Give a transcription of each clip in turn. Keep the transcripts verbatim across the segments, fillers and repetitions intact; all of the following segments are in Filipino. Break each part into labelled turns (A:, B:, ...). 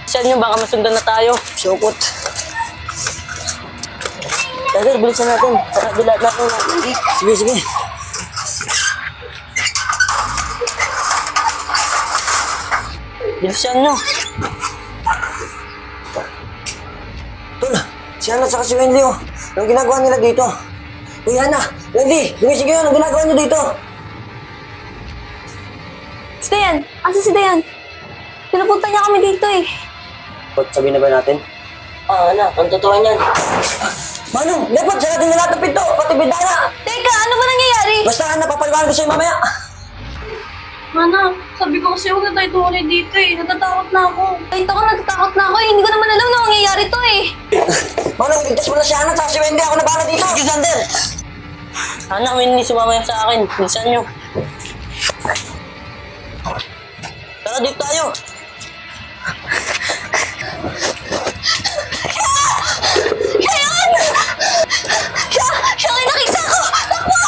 A: Saan nyo, baka masundan na tayo.
B: Sukot.
A: Dagger, bilisan natin. Saka bilat natin.
B: Sige, sige.
A: Bilisan nyo.
B: Tol, si Ana at si Wendy, oh. Anong ginagawa nila dito? Uy, Ana, Wendy, gumising kayo. Anong ginagawa nyo dito?
C: Si Dayan! Asa si Dayan? Pinupunta niya kami dito eh.
B: Ba't sabihin na ba natin?
A: Ah, anak, ang totoo niyan.
B: Manong, dapat sa natin na lahat ng pinto, pati bidana.
C: Teka, ano ba nangyayari?
B: Basta Ana, papaliwanag ko sa'yo mamaya.
C: Mana, sabi ko kasi huwag na tayo tumuloy dito eh. Natatakot na ako. Kahit ako natatakot na ako eh. Hindi ko naman alam na mangyayari to eh.
B: Manong, ligtas mo na si Ana at si Wendy. Ako na bahala dito.
A: Sige, Sander. Anak, Winnie, sumama sa akin. Bilisan nyo. Tara, dito tayo.
C: Siya yun! Siya! Siya ang nakita ko! Takbo!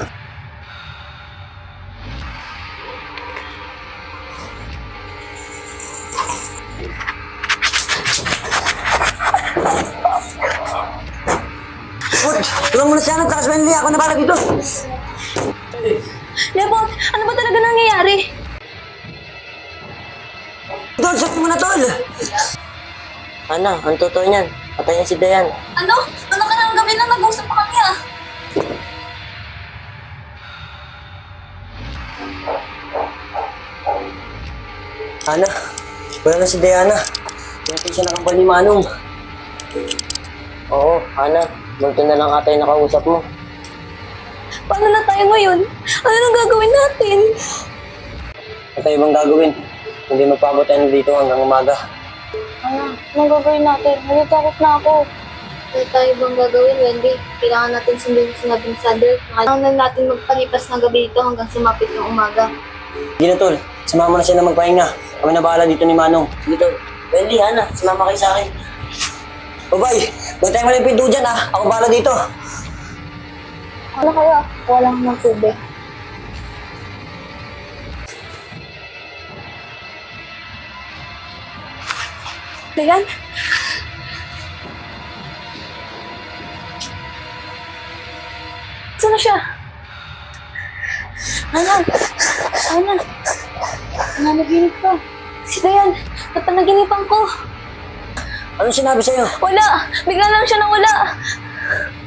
B: Good. Tulungan mo na si Ana at si Wendy. Ako na bahala dito.
C: Lepot, ano ba talaga nangyayari?
B: Tol, sabi mo na, Tol.
A: Ana, ang totoo niyan. Patayin si Dayan.
C: Ano? Ano ka nang gabi na nag-usap pa kami ah?
B: Ana, wala na si Diana. Pinatay siya ng kampal ni Manong.
A: Oo, Ana. Multo na lang ata yung nakausap mo.
C: Paano na tayo ngayon? Ano nang gagawin natin?
B: Ano tayo bang gagawin? Hindi magpabot tayo dito hanggang umaga.
C: Ano? Anong gagawin natin? Natatakot na ako. Ano tayo bang gagawin, Wendy? Kailangan natin sundin yung sinabi ni Sander. Kailangan natin magpalipas ng gabi dito hanggang sumapit ng umaga.
B: Hindi na, Tol. Samahan mo na siya na magpahinga. Kami na bahala dito ni Manong.
A: Sige, Tol. Wendy, Ana, sumama kayo sa akin.
B: Babay, bantayan mo lang yung pinto dyan, ha? Ako bahala dito.
C: Ano kaya? Walang ng tubig. Dayan? Saan na siya? Ana! Ana! Nanaginip ka. Si Dayan! Napanaginipan ko.
B: Anong sinabi sa'yo?
C: Wala! Bigla lang siya nawala.